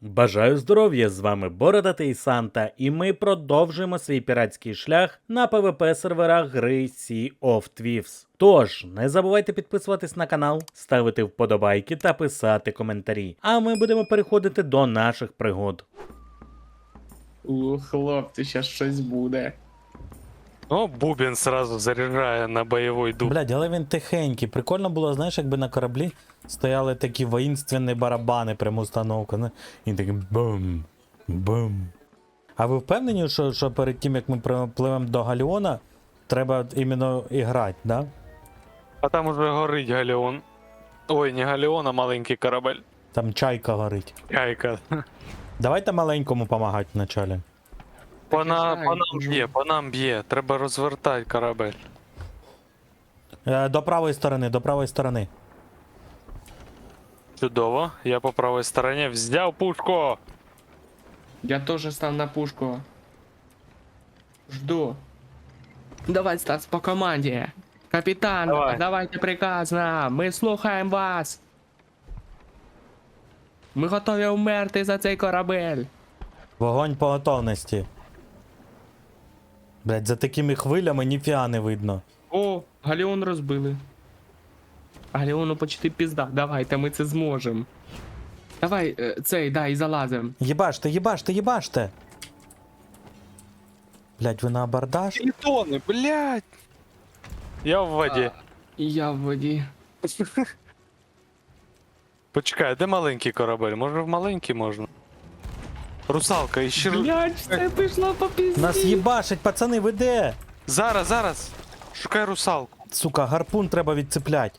Бажаю здоров'я, з вами Бородатий Санта, і ми продовжуємо свій піратський шлях на PvP серверах гри Sea of Thieves. Тож, не забувайте підписуватись на канал, ставити вподобайки та писати коментарі. А ми будемо переходити до наших пригод. Хлопці, щас щось буде. Ну, Бубен сразу заряджає на бойовий дух. Блядь, але він тихенький. Прикольно було, знаєш, якби на кораблі стояли такі воїнственні барабани, прямо установка. Не? І такий бум, бум. А ви впевнені, що перед тим, як ми пливемо до Галіона, треба іменно і грати, да? А там уже горить галеон. Ой, не галеон, а маленький корабель. Там чайка горить. Яйка. Давайте маленькому допомагати вначалі. По нам б'є. Треба розвертати корабель. До правої сторони, до правої сторони. Чудово. Я по правій стороні взяв пушку. Я теж став на пушку. Жду. Давай, Стас, по команді. Капітан, Давай. давайте приказ нам. Ми слухаємо вас. Ми готові вмерти за цей корабель. Вогонь по готовності. Блядь, за такими хвилями ніфіга не видно. О, Галіон розбили. Галіону почти пізда. Давайте, ми це зможемо. Давай, дай, залазим. Єбаште, єбаште, єбаште! Блядь, ви на абордаж? Тритони, блядь. Я в воді. І я в воді. Почекай, де маленький корабель? Може в маленький можна? Русалка, іще... Блядь, все пішло по пізді. Нас їбашить, пацани, ви де? Зараз. Шукай русалку. Сука, гарпун треба відцеплять.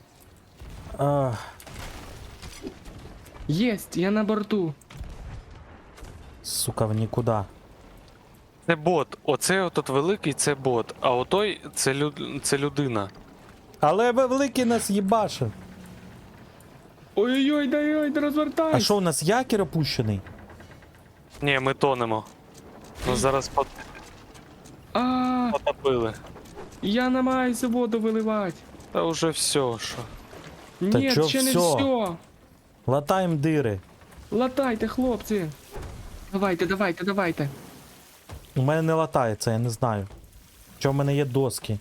Єсть, я на борту. Сука, в нікуди. Це бот. Оцей отут великий це бот, а отой це людина. Але великий нас їбашив. Ой-ой-ой, дай, розвертайся. А що, у нас якір опущений? Ні, ми тонемо. Ну зараз А, потопили. я намагаюся воду виливати. Та вже все, що. Ні, чо ще не всьо? все. Латаємо дири. Латайте, хлопці. Давайте. У мене не латається, я не знаю. Що в мене є доски?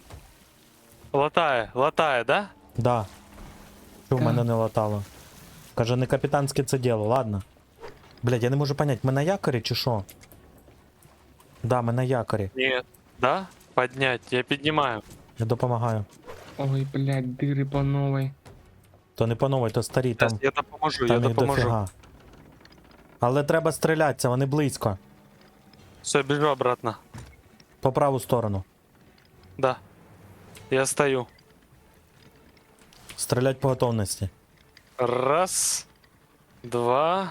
Латає, да? Да. Що в Так. мене не латало? Каже, не капітанське це діло, ладно. Блядь, я не можу понять, ми на якорі чи що? Да, ми на якорі. Ні. Да? Поднять, я піднімаю. Я допомагаю. Ой, блядь, дири по новій. То не по новій, то старі, Щас, там, я допоможу, там їх дофіга. Але треба стрілятися, вони близько. Все, біжу обратно. По праву сторону. Да. Я стою. Стрілять по готовності. Раз, два,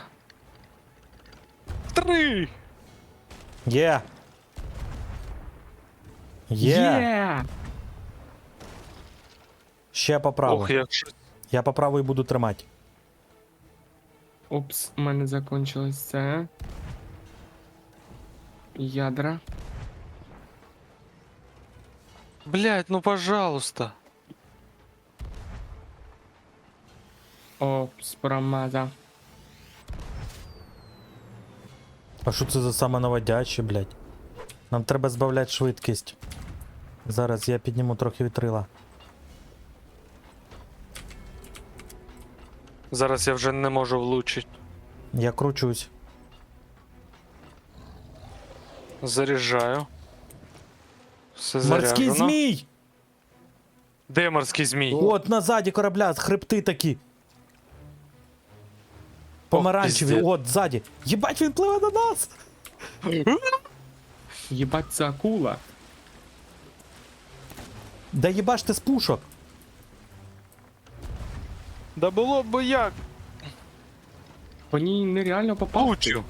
три. Є! Є! Ще по праву. Ох, як щось. Я по праву і буду тримати. Опс, у мене закончилось це. Ядра. Блять, ну пожалуйста. Опс, промазав. А що це за самонаводячі, блядь? Нам треба збавляти швидкість. Зараз я підніму трохи вітрила. Зараз я вже не можу влучити. Я кручусь. Заряджаю. Все Морський заряджено. змій! Де морський змій? От назаді корабля, хребти такі. Помаранчеві, пиздец. от ззаді. Єбать, він пливе на нас! Єбать, це акула. Да єбаште з пушок. Да було б як. По ній нереально попав. Влучив.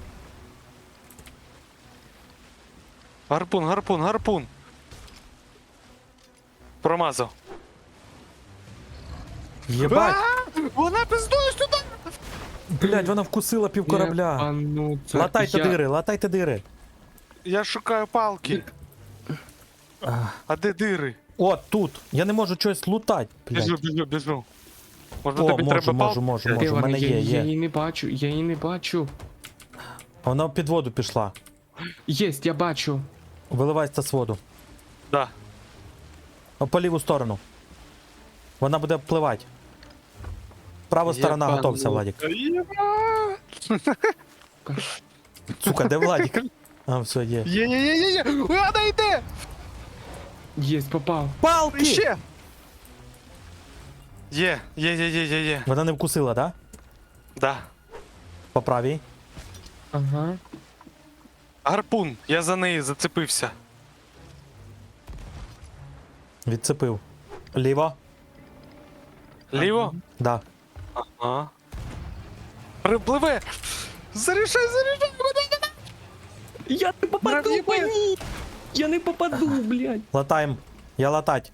Гарпун. Промазав. Єбать. Вона пиздує сюди! Блядь, вона вкусила пів корабля. Єбануться. Латайте дири. Я шукаю палки. А де дири? От тут. Я не можу щось лутати. Біжу. Може О, тобі треба палки? можу. Де В вона? мене Я є. її не бачу. Вона під воду пішла. Єсть, я бачу. Виливайся з воду. Да. О, по ліву сторону. Вона буде впливати. Права сторона, Єбану. готовся, Владик. Єба! Сука, де Владик? А, все, є. Є. Вона йде! Єсть, попав. Палки! Ще! Є. Вона не вкусила, да? Да. По правій. Ага. Гарпун, я за неї зацепився. Відцепив. Ліво? Ліво? Да. Ага. Припливе! Зарішай мене! Я не попаду, Мурав'їби! блядь. Я не попаду, блядь. Латаєм. Я латать.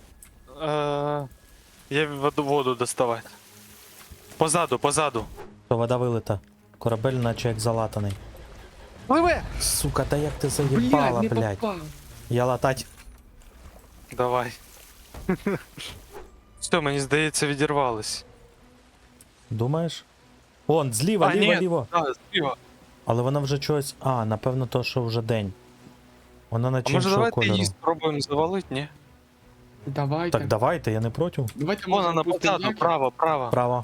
Я воду доставати. Позаду. То вода вилита. Корабель наче як залатаний. Пливе! Сука, та як ти заїбала, Блядь, не блядь. попав. Я латать. Давай. Все, мені здається, відірвались. Думаєш? Вон, зліва, ліво. Да, зліва. Але вона вже чогось. А, напевно, то, що вже день. Вона А наче може іншого давайте кольору. її спробуємо завалити, ні? Давайте. Так давайте, я не проти. Давайте Вон може, вона просто позаду, як- право. Право.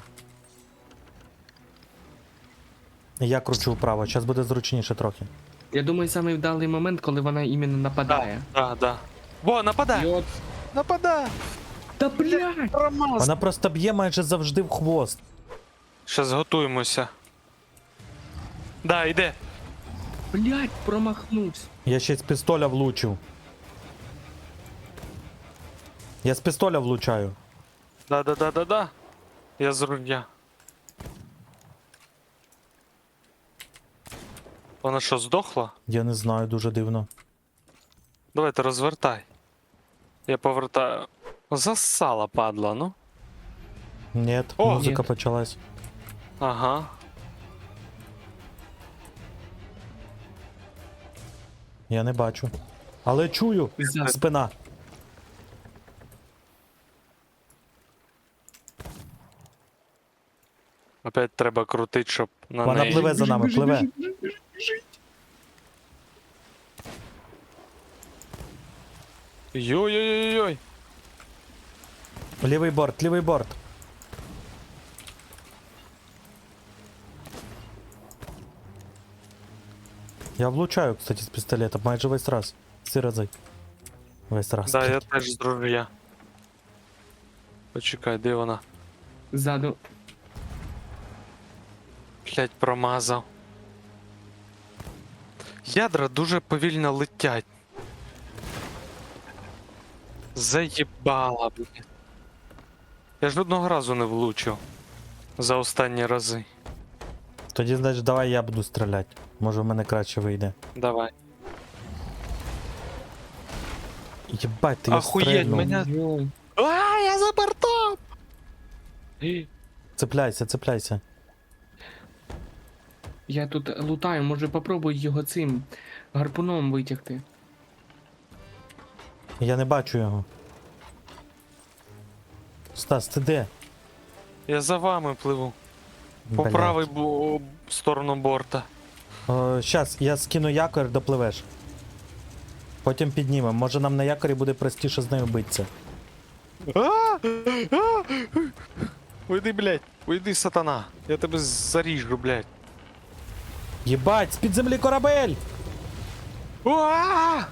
Я кручу вправо, зараз буде зручніше трохи. Я думаю, самий вдалий момент, коли вона іменно нападає. Да. Во, нападай! Йот. Нападай! Та блядь! Промаз! Вона просто б'є майже завжди в хвост. Щас готуємося. Да, йде. Блядь, промахнувся. Я ще з пістоля влучив. Я з пістоля влучаю. Да. Я з руля. Вона що, здохла? Я не знаю, дуже дивно. Давайте розвертай. Я повертаю. Засала, падла, ну. Ні, О! музика Ні. почалась. Ага. Я не бачу. Але чую. За- Спина. Опять треба крутить, щоб на Вона неї. пливе за нами, пливе. Йой-йой-йой-йой. Лівий борт, лівий борт. Я влучаю, кстати, з пістолета майже весь раз. Всі рази. Весь раз. Да, я теж з руля. Почекай, де вона? Ззаду. Блять, промазав. Ядра дуже повільно летять. Заєбала, блін. Я ж одного разу не влучив. За останні рази. Тоді, значить, давай я буду стріляти. Може в мене краще вийде. Давай. Єбать, ти я Ахуєть, стрельнув. мене- Йой. А, я за бортом! Цепляйся, цепляйся. Я тут лутаю, може попробуй його цим гарпуном витягти. Я не бачу його. Стас, ти де? Я за вами пливу. По Блядь. правій сторону борта. Щас, я скину якорь, допливеш. Потім піднімемо. Може нам на якорі буде простіше з нею битися. Уйди, блядь. Уйди, сатана. Я тебе заріжу, блядь. Єбать, з-під землі корабель! Уа!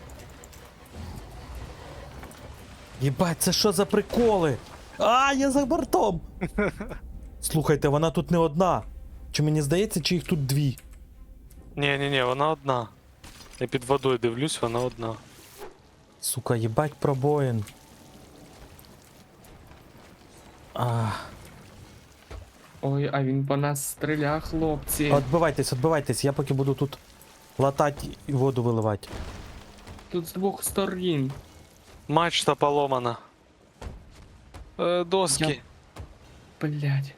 Єбать, це що за приколи? А, я за бортом! Слухайте, вона тут не одна. Чи мені здається, чи їх тут дві? Ні, вона одна. Я під водою дивлюсь, вона одна. Сука, їбать пробоїн. А, Ой, а він по нас стріля, хлопці. отбивайтесь, я поки буду тут латати і воду виливати. Тут з двох сторін. Мачта поломана. Доски. Блядь.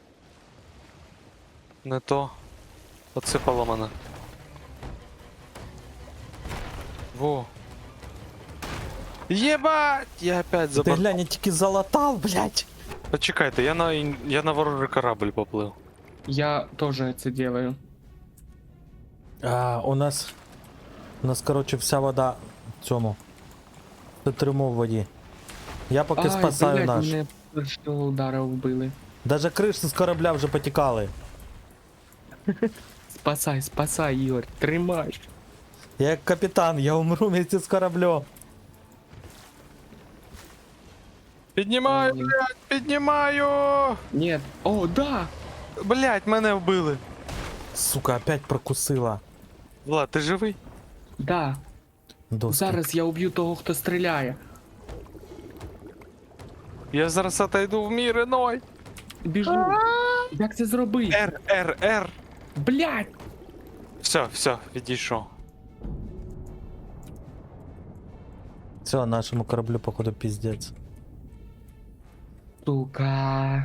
Не то. Оце поломано. Во. Єбать! Я опять Ти забор... глянь, я тільки залатав, блядь. Почекайте, я на ворожий корабль поплив. Я теж це делаю. У нас, коротше, вся вода в цьому. Це трюмо в воді. Я поки Ай, спасаю блядь, наш. мене першого удара вбили. Даже криші з корабля вже потікали. Спасай, спасай, Ігор, тримай. Я як капітан, я умру вместе з кораблем. Піднімаю, Ой. блядь, піднімаю! Ні, о, да! Блядь, мене вбили. Сука, опять прокусила. Влад, ти живий? Да. Доски. Зараз я уб'ю того, хто стріляє. Я зараз отойду в мір іной. Біжу. Як це зробити? Р. Блядь! Все, відійшов. Все, нашому кораблю, походу, піздець. Сука.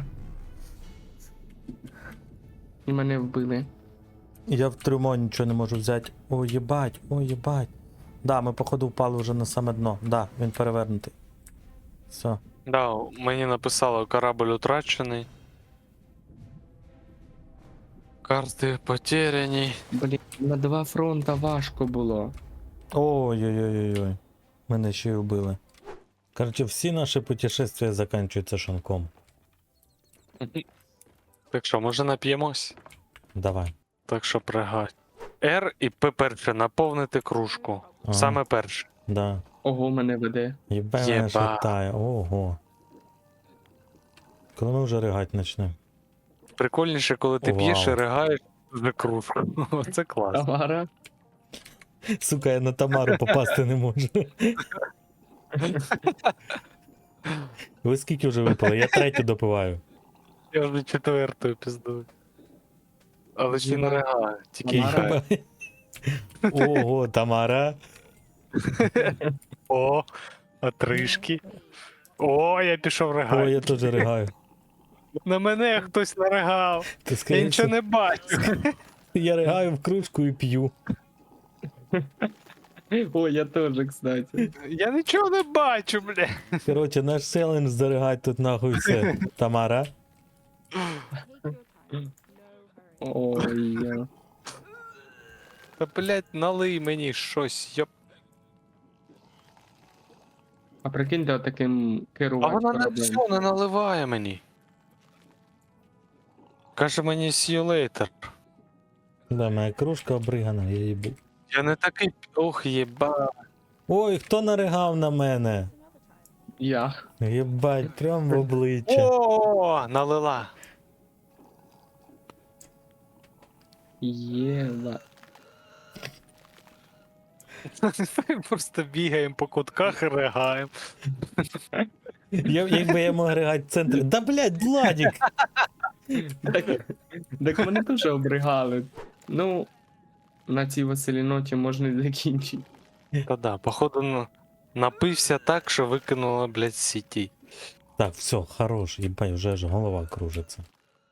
І мене вбили. Я в трюмо нічого не можу взяти. Ой, єбать, ой, єбать. Да, ми, походу, впали вже на саме дно. Да, він перевернутий. Все. Да, мені написало корабль утрачений. Карти потеряні. Блін, на 2 фронта важко було. Ой-ой-ой-ой. Мене ще й вбили. Короче, всі наші путешествия закінчуються шанком. Так що, може нап'ємось? Давай. Так що пригай. Р і П перше, наповнити кружку. Ага. Саме перше. Да. Ого, мене веде. Єбе мене Єба. шатає. Ого. Коли ми вже ригать почнемо? Прикольніше, коли ти Вау. п'єш і ригаєш за кружку. Це класно. Тамара. Сука, я на Тамару попасти не можу. Ви скільки вже випили? Я третю допиваю. Я вже четвертою піздую. Але ще не ригаю, тільки Тамара. їхаю. Ого, Тамара. О, отришки. О, я пішов Ой, ригати. я теж ригаю. На мене хтось наригав. Ти Я скажи, нічого не бачу. я ригаю в кружку і п'ю. О, я теж, кстати. Я нічого не бачу, бля. Короче, наш селендж заригать тут нахуй все. Тамара. Ой, я. Та, блядь, налий мені щось, йоп. А прикиньте, отаким А керувати вона не кораблем. все не наливає мені. Каже мені see you later. Да, моя кружка обригана, я їбу. Я не такий. Ох, єба. Ой, хто наригав на мене? Я. Єбать, прям в обличчя. О, налила. Єва. Просто бігаємо по кутках і ригаємо. Якби я мог ригати в центрі. Да блядь, Владик! Так мене теж обригали. Ну, на цій веселій ноті можна і закінчити. Та да, походу напився так, що викинула, блядь, з сіті. Так, все, хорош, їбать, вже ж голова кружиться.